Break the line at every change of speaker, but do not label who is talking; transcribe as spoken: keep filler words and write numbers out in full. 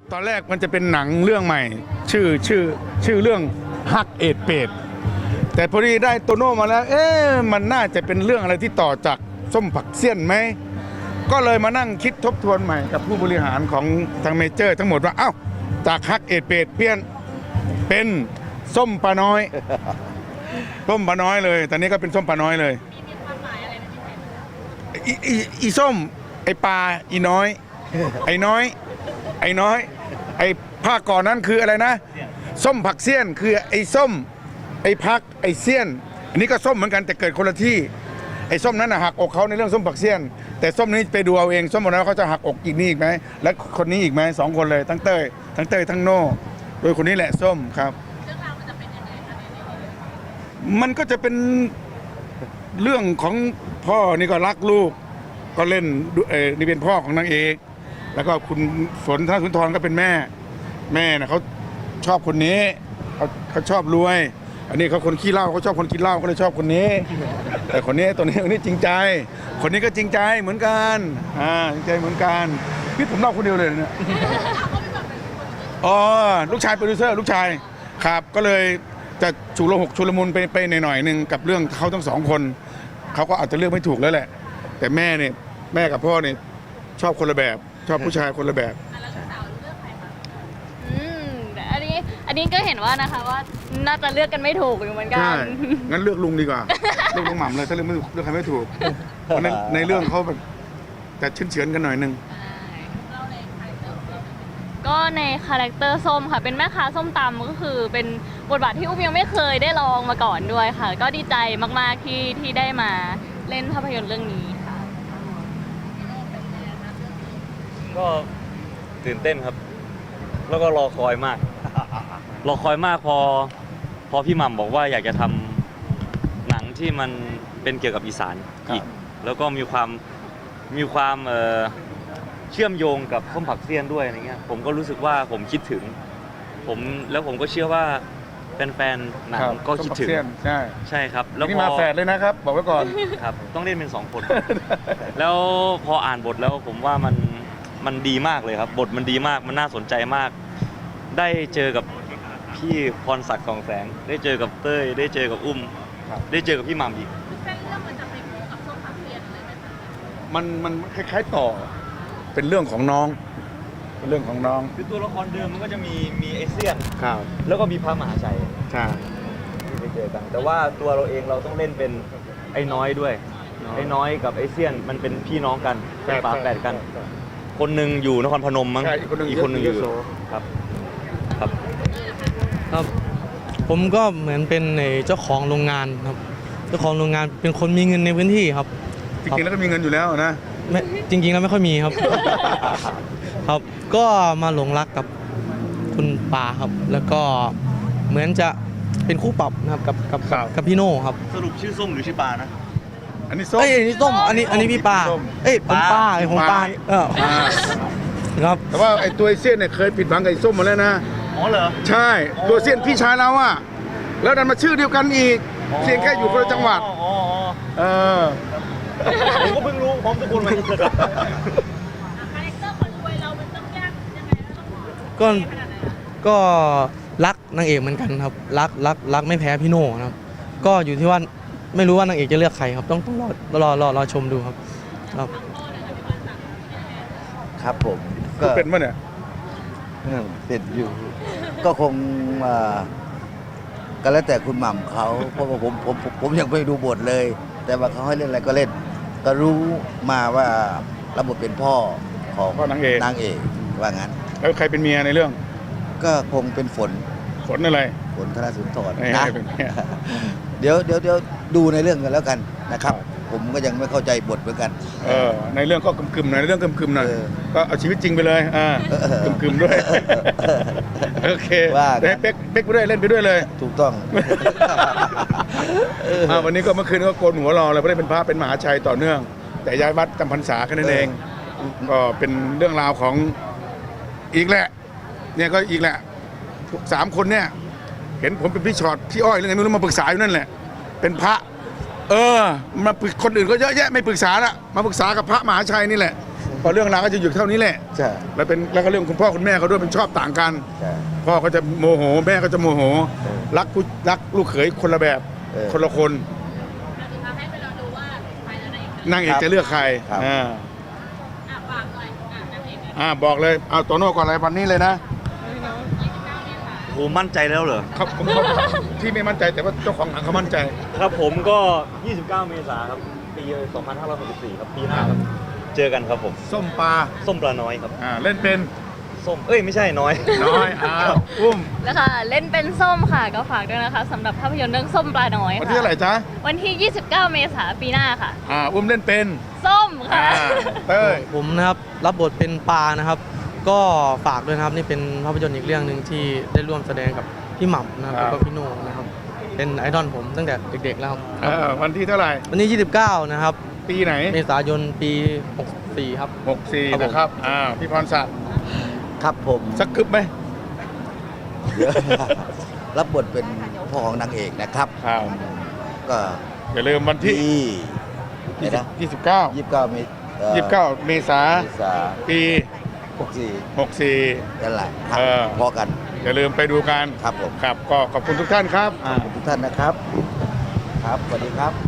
ตอนแรกมันจะเป็นหนังเรื่องใหม่ ชื่อชื่อชื่อเรื่องฮักเอ็ดเป็ดแต่พอดีได้โตโน่มาแล้วเอ๊ะมันน่าจะเป็นเรื่องอะไรที่ต่อจากส้มผักเสี้ยนไหมก็เลยมานั่งคิดทบทวนใหม่กับผู้บริหารของทางเมเจอร์ทั้งหมดว่าเอ้าจากฮักเอ็ดเป็ดเปลี่ยนเป็นส้มปลาน้อยส้มปลาน้อยเลยตอนนี้ก็เป็นส้มปลาน้อยเลยอีอีอีส้มไอปลาอีน้อยไอ้น้อยไอ้น้อยไอ้ภาคก่อนนั้นคืออะไรนะส้มผักเสี้ยนคือไอ้ส้มไอ้พักไอ้เสี้ยนอันนี้ก็ส้มเหมือนกันแต่เกิดคนละที่ไอ้ส้มนั้นหักอกเขาในเรื่องส้มผักเสี้ยนแต่ส้มนี้ไปดูเอาเองส้มคนนั้นเขาจะหักอกอีกนี่อีกไหมและคนนี้อีกไหมสองคนเลยทั้งเต้ยทั้งเต้ยทั้งโน่โดยคนนี้แหละส้มครับเรื่องราวมันจะเป็นยังไงคะมันก็จะเป็นเรื่องของพ่อนี่ก็รักลูกก็เล่นเออนี่เป็นพ่อของนางเอกแล้วก็คุณฝนธนสุนทรก็เป็นแม่แม่นะเขาชอบคนนี้เขาเขาชอบรวยอันนี้เขาคนขี้เหล้าเขาชอบคนกินเหล้าก็เลยชอบคนนี้แต่คนนี้ตัวนี้คนนี้จริงใจคนนี้ก็จริงใจเหมือนกันอ่าจริงใจเหมือนกันพี่ผมเล่าคนเดียวเลยเนี่ยอ๋อลูกชายโปรดิวเซอร์ลูกชายครับก็เลยจะฉุกละหกชุลมุนไปไปหน่อยๆนึงกับเรื่องเขาทั้งสองคนเขาก็อาจจะเลือกไม่ถูกแล้วแหละแต่แม่เนี่ยแม่กับพ่อเนี่ยชอบคนละแบบชอบผู้ชายคนละแบบ
อืมอันนี้อันนี้ก็เห็นว่านะคะว่าน่าจะเลือกกันไม่ถูกอยู่เหมือนกัน
ใช่งั้นเลือกลุงดีกว่าเลือกลุงหม่ำเลยถ้าเลือกไม่ถูกเลือกใครไม่ถูกเพราะในในเรื่องเขาแบบแต่เฉือนๆกันหน่อยนึง
ก็ในคาแรคเตอร์ส้มค่ะเป็นแม่ค้าส้มตำก็คือเป็นบทบาทที่อุ้มยังไม่เคยได้ลองมาก่อนด้วยค่ะก็ดีใจมากๆที่ที่ได้มาเล่นภาพยนตร์เรื่องนี้ค่ะ
ก็ตื่นเต้นครับแล้วก็รอคอยมากรอคอยมากพอพอพี่หม่ำบอกว่าอยากจะทำหนังที่มันเป็นเกี่ยวกับอีสานอีกแล้วก็มีความมีความเอ่อเชื่อมโยงกับส้มผักเสี้ยนด้วยอะไรเงี้ยผมก็รู้สึกว่าผมคิดถึงผมแล้วผมก็เชื่อว่าแฟนๆหนังก็คิดถึง
ใช่
ใช่ครับแล้ว
นี่มาแฝดเลยนะครับบอกไว้ก่อน
ครับต้องเล่นเป็นสองคน แล้วพออ่านบทแล้วผมว่ามันมันดีมากเลยครับบทมันดีมากมันน่าสนใจมากได้เจอกับพี่พรศักดิ์สองแสงได้เจอกับเต้ยได้เจอกับอุ้มได้เจอกับพี่หม่ำอีก
เส้นเรื่องมันจะไปคู่กับส้มผักเสี้ยนเลยไหมคะ
มันมันคล้ายๆต่อเป็นเรื่องของน้องเป็นเรื่องของน้อง
คือตัวละครเดิมมันก็จะมีมีไอเซียน
ครับ
แล้วก็มีพระมหาชัย
ใช่
ที่ไปเจอกันแต่ว่าตัวเราเองเราต้องเล่นเป็นไอ้น้อยด้วยไอ้น้อยกับไอเซียนมันเป็นพี่น้องกันเป็นฝาแฝดกันคนหนึ่งอยู่นครพนมมั้งอีกคนหนึ่งอยู่ครับครับ
ครับผมก็เหมือนเป็นเจ้าของโรงงานครับเจ้าของโรงงานเป็นคนมีเงินในพื้นที่ครับ
จริงๆแล้วก็มีเงินอยู่แล้วนะ
ไม่จริงๆแล้วไม่ค่อยมีครับ ครับก็มาหลงรักกับคุณปาครับแล้วก็เหมือนจะเป็นคู่ปรับนะครับกับกับกับพี่โน่ครับ
สรุปชื่อส้มหรือชื่อปานะ
อันนี้ส้ม
เอ้ยอันนี้ส้มอันนี้อันนี้พี่ปาเอ้ยผมปาไอ้ผมปาเออครับ
แต่ว่าไอ้ตัวเซียนเนี่ยเคยผิดหวังกับไอ้ส้มมาแล้วนะ
อ๋อเหรอ
ใช่ตัวเซียนพี่ชายเราอะแล้วดันมาชื่อเดียวกันอีกเซียนแค่อยู่คนละจังหวัด
อ๋อ
เออ
ผมก็เพิ่งรู้พร้อมทุกคนเลย
คาแรคเตอร์คนรวยเรามันต้องยากยังไงต้อง
ก็ก็รักนางเอกเหมือนกันครับรักรักรักไม่แพ้พี่โน่นะครับก็อยู่ที่ว่าไม่รู้ว่านางเอกจะเลือกใครครับต้องต้องรอรอรอรอชมดูครับครับ
ครับผมก็
เป็นมั้ยเนี่ย
เป็นอยู่ก็คงก็แล้วแต่คุณหม่ำเขาเพราะว่าผมผมผมยังไม่ดูบทเลยแต่ว่าเขาให้เล่นอะไรก็เล่นก็รู้มาว่ารับบทเป็นพ่อของ
นางเอก
นางเอกว่างั้น
แล้วใครเป็นเมียในเรื่อง
ก็คงเป็นฝน
ฝนอะไร
ฝนธนสุนทร
นะ
เดี๋ยวเดี๋ยวเดี๋ยวดูในเรื่องกันแล้วกันนะครับผมก็ยังไม่เข้าใจบทเหมือนกัน
เออในเรื่องก็กึมๆหน่อยในเรื่องกึมๆหน่อยก็เอาชีวิตจริงไปเลยอ่ากึมๆด้วยโอเคได้เป๊กเป๊กไปด้วยเล่นไปด้วยเลย
ถูกต้อง
วันนี้ก็เมื่อคืนก็โกนหัวรอเลยไม่ได้เป็นพระเป็นมหาชัยต่อเนื่องแต่ย้ายวัดจำพรรษาแค่นั้นเองก็เป็นเรื่องราวของอีกแหละเนี่ยก็อีกแหละสามคนเนี่ยเห็นผมเป็นพี่ชอตพี่อ้อยเรื่องไงไม่รู้มาปรึกษาอยู่นั่นแหละเป็นพระเออมาคนอื่นก็เยอะแยะไม่ปรึกษาละมาปรึกษากับพระมหาชัยนี่แหละก็เรื่องราวก็จะอยู่เท่านี้แหละ
ใช่
แล้วเป็นแล้วก็เรื่องคุณพ่อคุณแม่เขาด้วยเป็นชอบต่างกัน
ใช่
พ่อก็จะโมโหแม่ก็จะโมโห
เออ
รักผู้รักลูกเขยคนละแบบ
เออ
คนละคนนางเอกจะเลือกใคร
ครับ
อ่าอ่าบอกเลยเอาโตโน่ก่อนอะไรวันนี้เลยนะ
โอ้มั่นใจแล้วเหรอ
เขาผมเขาที่ไม่มั่นใจแต่ว่าเจ้าของหนังเขามั่นใจ
ครับผมก็ ยี่สิบเก้า เมษายนครับ ปี สองพันห้าร้อยหกสิบสี่ ครับ ปีหน้าครับ เจอกันครับผม
ส้มปลา
ส้มปลาน้อยครับ
อ่าเล่นเป็น
ส้ม เอ้ย ไม่ใช่น้อย
น้อยอ้าวอุ้ม
แล้วค่ะเล่นเป็นส้มค่ะก็ฝากด้วยนะคะสำหรับภาพยนตร์เรื่องส้มปลาน้อย
วัน
ค่ะ
ที่เท่าไหร่จ๊ะ
วันที่ ยี่สิบเก้า เมษายนปีหน้าค่ะ
อ่าอุ้มเล่นเป็น
ส้ม
อ่า
ค่ะ
เต้ย
ผมนะครับรับบทเป็นปานะครับ ก็ฝากด้วยนะครับนี่เป็นภาพยนตร์อีกเรื่องหนึ่งที่ได้ร่วมแสดงกับพี่หม่ำนะครับแล้วก็พี่โน่นะครับ เป็นไอดอลผมตั้งแต่เด็กๆแล้วครับ
เออวันที่เท่าไหร่
วันนี้ ยี่สิบเก้า นะครับ
ปีไหน
เมษายนปีหกสี่ครับ
หกสี่
ครับผม
นะครับอ่าพี่พรศักดิ์
ครับผม
สักกึบไหม
เดี๋ยว รับบทเป็นพ่อของนางเอกนะครับ
ครับ
ก็
อย่าลืมวันที่
ที่เดี๋ยวนะ
ยี่สิบเก้า
ยี่สิบเก้าเมษ
ยี่สิบเก้าเมษา
เมษา
ปี
หกสี่
หกสี่
นั่นแหละครับ
เออ
พอกัน
อย่าลืมไปดูกัน
ครับผม
ครับก็ขอบคุณทุกท่านครับ
ขอบคุณทุกท่านนะครับ ครับสวัสดีครับ